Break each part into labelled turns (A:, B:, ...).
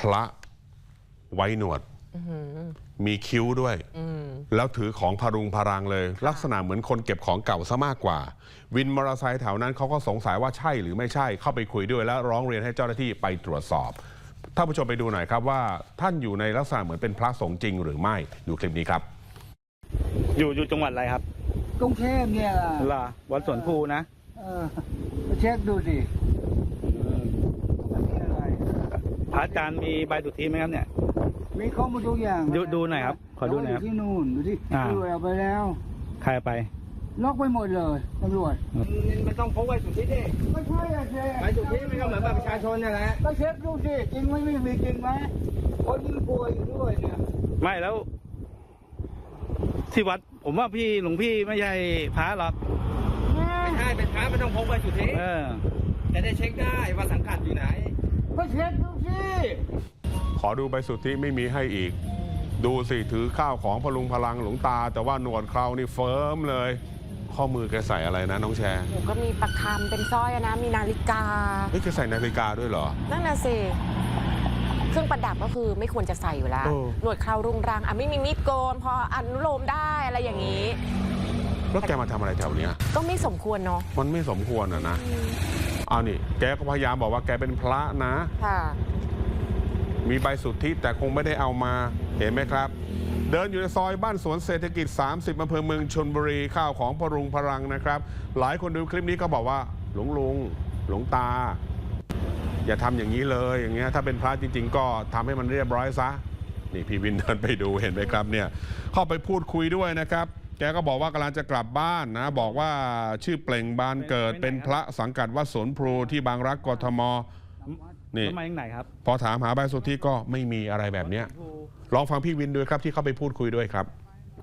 A: ระไว้หนวดมีคิ้วด้วยแล้วถือของพรุงพรังเลยลักษณะเหมือนคนเก็บของเก่าซะมากกว่าวินมอเตอร์ไซค์แถวนั้นเขาก็สงสัยว่าใช่หรือไม่ใช่เข้าไปคุยด้วยแล้วร้องเรียนให้เจ้าหน้าที่ไปตรวจสอบท่านผู้ชมไปดูหน่อยครับว่าท่านอยู่ในลักษณะเหมือนเป็นพระสงฆ์จริงหรือไม่ดูคลิปนี้ครับ
B: อยู่จังหวัดอะไรครับ
C: กรุงเทพเนี่ย
B: ล่ะวัดสวนภูนะ
C: มาเช็คดูสิ
B: พระอาจารย์มีใบสุทธิไหมครับเนี่ย
C: มีข้อมูลทุกอย่าง
B: ดูหน่อยครับขอดูหน่อยครับ
C: ที่นู่นดูที่ตำรวจเอาไปแล้ว
B: ใครไป
C: ล็อกไปหมดเลยตำรวจ
D: มันต้องพกใบสุทธิดิ
C: ไม่ใช่อะเจ๊
D: ใบสุทธิมันก็เหมือนบัตรประชาชนนั่นแหละ
C: ก็เช็คดูสิจริงไหมไม่มีจริงไหมคนยิ่งป่วยอยู่ด้วยเนี่ย
B: ไม่แล้วที่วัดผมว่าหลวงพี่ไม่ใช่พระหรอก
D: ไม่ใช่เป็นพระไม่ต้องพกใบสุทธิจะได้เช็คได้ว่าสังกัดอยู่ไหน
C: ก็เช็คดูสิ
A: ขอดูใบสุทธิไม่มีให้อีกดูสิถือข้าวของพลุงพลังหลวงตาแต่ว่าหนวดเครานี่เฟิร์มเลยข้อมือแกใส่อะไรนะน้องแชร์
E: ก็มีประคำเป็นสร้อยนะมีนาฬิกา
A: แกใส่นาฬิกาด้วยเหรอ
E: นั่นน่ะสิเครื่องประดับก็คือไม่ควรจะใส่อยู่แล้วหนวดเครารุงรังไม่มีมีดโกนพออนุโลมได้อะไรอย่างนี้
A: แล้วแกมาทำอะไรแถวเนี้ย
E: ก็ไม่สมควรเนาะ
A: มันไม่สมควรนะเอานี่แกก็พยายามบอกว่าแกเป็นพระนะ
E: ค่ะ
A: มีใบสุทธิแต่คงไม่ได้เอามาเห็นไหมครับเดินอยู่ในซอยบ้านสวนเศรษฐกิจ30อำเภอเมืองชลบุรีข้าวของพรุงพรังนะครับหลายคนดูคลิปนี้ก็บอกว่าหลวงตาอย่าทำอย่างนี้เลยอย่างเงี้ยถ้าเป็นพระจริงๆก็ทำให้มันเรียบร้อยซะนี่พี่วินเดินไปดูเห็นไหมครับเนี่ยเข้าไปพูดคุยด้วยนะครับแกก็บอกว่ากำลังจะกลับบ้านนะบอกว่าชื่อเปล่งบานเกิดเป็นพระสังกัดวัดสวนพลูที่บางรักกทมนี่
B: มาจากไหนครับ
A: พอถามหาใบสุทธิก็ไม่มีอะไรแบบเนี้ยลองฟังพี่วินด้วยครับที่เข้าไปพูดคุยด้วยครับ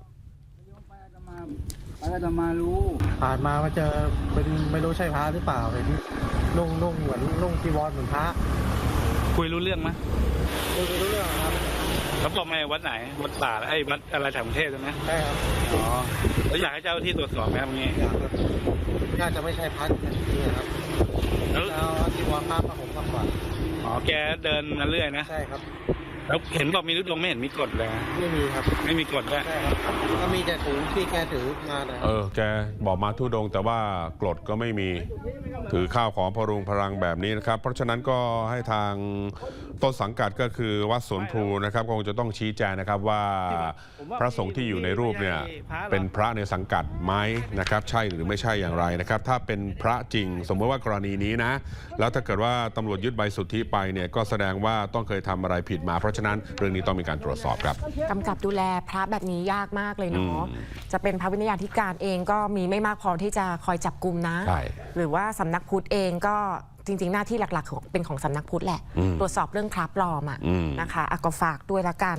C: อาตมารู้
F: ผ่านมาเจอเป็นไม่รู้ใช่พระหรือเปล่าเห็นนุ่งเหมือนนุ่งจีวรเหมือนพระ
B: คุยรู้เรื่องไหม
F: คุยรู้เรื่องครับ
B: แล้วบอกไหมวัดไหนวัดป่าวัดอะไรแถวกรุงเทพใช่ไหม
F: ใช่ครับ
B: อ๋อแล้วอยากให้เจ้าที่ตรวจสอบไหมตรงนี้
F: น่าจะไม่ใช่พระนี่ครับแล้วจีวรพระมาผมมากกว่า
B: อ๋อแกเดินมาเรื่อยนะ
F: ใช่ครับ
B: แล้วเห็นบอกมีทุดงไม่เห็นมีกฎเลย
F: ไม่มีครับ
B: ไม่มีกฎด้วย
F: ใช่ครับก็มีแต่ถุงที่แกถือมาเลย
A: แกบอกมาทุดงแต่ว่ากฎก็ไม่มีถือข้าวของพรุงพรังแบบนี้นะครับเพราะฉะนั้นก็ให้ทางต้นสังกัดก็คือวัดสวนพลูนะครับคงจะต้องชี้แจงนะครับว่าพระสงฆ์ที่อยู่ในรูปเนี่ยเป็นพระในสังกัดไหมนะครับใช่หรือไม่ใช่อย่างไรนะครับถ้าเป็นพระจริงสมมติว่ากรณีนี้นะแล้วถ้าเกิดว่าตำรวจยึดใบสุทธิไปเนี่ยก็แสดงว่าต้องเคยทำอะไรผิดมาเพราะฉะนั้นเรื่องนี้ต้องมีการตรวจสอบครับ
E: กำกับดูแลพระแบบนี้ยากมากเลยเนาะจะเป็นพระวิญญาธิการเองก็มีไม่มากพอที่จะคอยจับกุมนะหรือว่าสำนักพุทธเองก็จริงๆหน้าที่หลักๆเป็นของสำนักพุทธแหละตรวจสอบเรื่องพระปลอมนะคะก็ฝากด้วยละกัน